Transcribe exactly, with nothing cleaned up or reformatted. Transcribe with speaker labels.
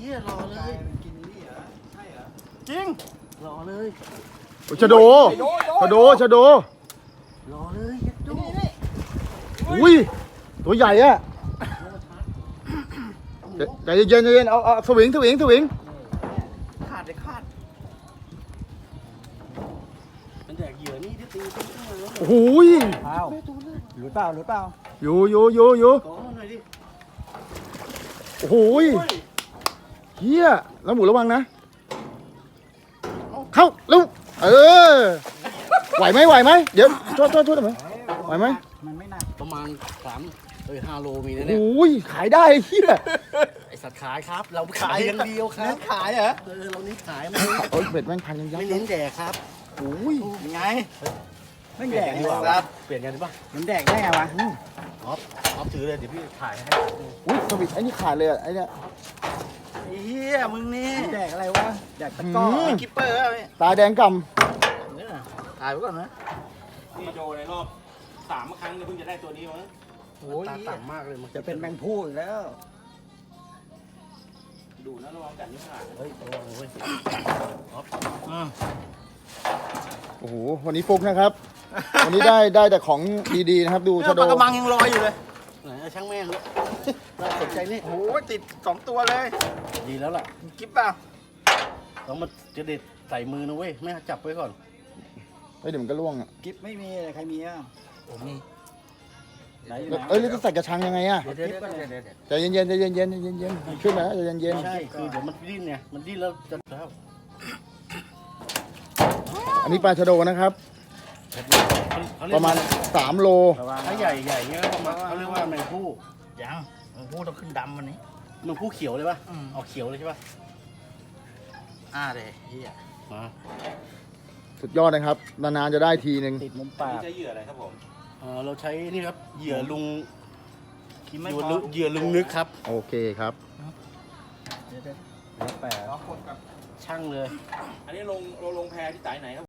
Speaker 1: ฮียรอเลยกินนี่เหรอใช่เหรอจริงรอเลย
Speaker 2: ชะโดชะโดชะโด
Speaker 1: รอเลยดู
Speaker 2: อุ้ยตัวใหญ่อะใจเย็นใจเย็นเอาเอาสวิงสวิงสวิง
Speaker 1: ขาดเลยขาดมันแดกเหยื่อนี่ที่ตีตีขึ้นมาแล้ว
Speaker 2: โอ้โห
Speaker 3: อ้าวหรือเปล่าหรือเปล่า
Speaker 2: อยู่อยู่อยู่อยู่
Speaker 1: ก้อนหน่อยดิ
Speaker 2: โอ้โหเฮียแล้วหมูระวังนะเข้าลูกเออไหวไหมไหวไหมเดี๋ยวช่วยช่วยช่วยหน่อยไหวไหม
Speaker 3: มันไม่หนัก
Speaker 1: ประมาณสามเอ้ยห้าโลมีนะเนี่ย
Speaker 2: โอ้ยขายได้เฮีย
Speaker 1: ไอสัตว์ขายครับเราขายอย่างเดียวครับ
Speaker 3: ขายเหรอ
Speaker 1: เออเรานี่ขายไม่
Speaker 2: โอ้ยเบ็ดแม่งพันยังยับ
Speaker 1: ไม่เน้นแดกครับ
Speaker 2: โอ้ย
Speaker 1: ยังไง
Speaker 3: ไม่แดก
Speaker 1: ดีกว่าครับเปลี่ยนกันดีป่ะ
Speaker 3: มันแดกได้ไงวะ
Speaker 1: ออฟออฟถือเลยเดี๋ยวพี่ถ่ายให้
Speaker 2: อุ้ยสวิตไอ้นี่ขาดเลยอ่ะไอ้เนี่ย
Speaker 1: เฮียมึงนี่
Speaker 3: แดกอะไรวะแดกตะก้อ
Speaker 1: มีกิปเปอร์อะไร
Speaker 2: ตาแดงก
Speaker 1: ำเนี่ยถ่ายไว้ก่อนนะ
Speaker 4: นี่โดในรอบสามครั้งเพิ่งจะได้ตัวนี้มั้ง
Speaker 1: โอ้ยต่ำมากเลยมัน
Speaker 3: จะเป็นแมงผู้อีกแล้ว
Speaker 4: ดูนะระวังกัดนิ้วขาด
Speaker 1: เฮ้ยระวังเว้ยออฟ
Speaker 2: โอ้โหวันนี้ฟุกนะครับวันนี้ได้ได้แต่ของดีๆนะครับดูชะโด
Speaker 1: ปลากระมังยังลอยอยู่เลยไหนช่างแม่งเลยน่าสนใจนี่
Speaker 3: โอ้ยติดสองตัวเลย
Speaker 1: ดีแล้วล่ะ
Speaker 3: กิ๊บเปล่า
Speaker 1: ต้องมาจะเด็ดใส่มือนะเว้ยแม่จับไว้ก่อน
Speaker 2: เฮ้ยเดี๋ยวมันก็ล่วงอ่ะ
Speaker 3: กิ๊บไม่มีใครมีอ่ะ
Speaker 1: ผมมี
Speaker 2: เอ้ยแล้วจะใส่กระชังยังไงอ่ะใจเย็นๆใจเย็นๆใจเย็นๆขึ้นมาใจเย็น
Speaker 1: ๆใช่คือเดี๋ยวมันดิ้นเนี่ยมันดิ้นแล้วจะแล้ว
Speaker 2: อันนี้ปลาชะโดนะครับประมาณสามโล
Speaker 1: ถ้าใหญ่ใหญ่เงี้ยประมาณเขาเรียกว่าแมงผู้ยังแมงผู้ต้องขึ้นดำวันนี้แมงผู้เขียวเลยป่ะออกเขียวเลยใช่ป่ะอ่าเลยเฮีย
Speaker 2: สุดยอดนะครับนานๆจะได้ทีหนึ่ง
Speaker 3: ติดมุมปาก
Speaker 4: ใช้เหยื่ออะไรครับผม
Speaker 1: เออเราใช้นี่ครับเหยื่อลุงเหยื่อลุงนึกครับ
Speaker 2: โอเคครับ
Speaker 3: แปด
Speaker 1: ช่างเลย
Speaker 4: อันนี้ลงลงแพที่สายไหนครับ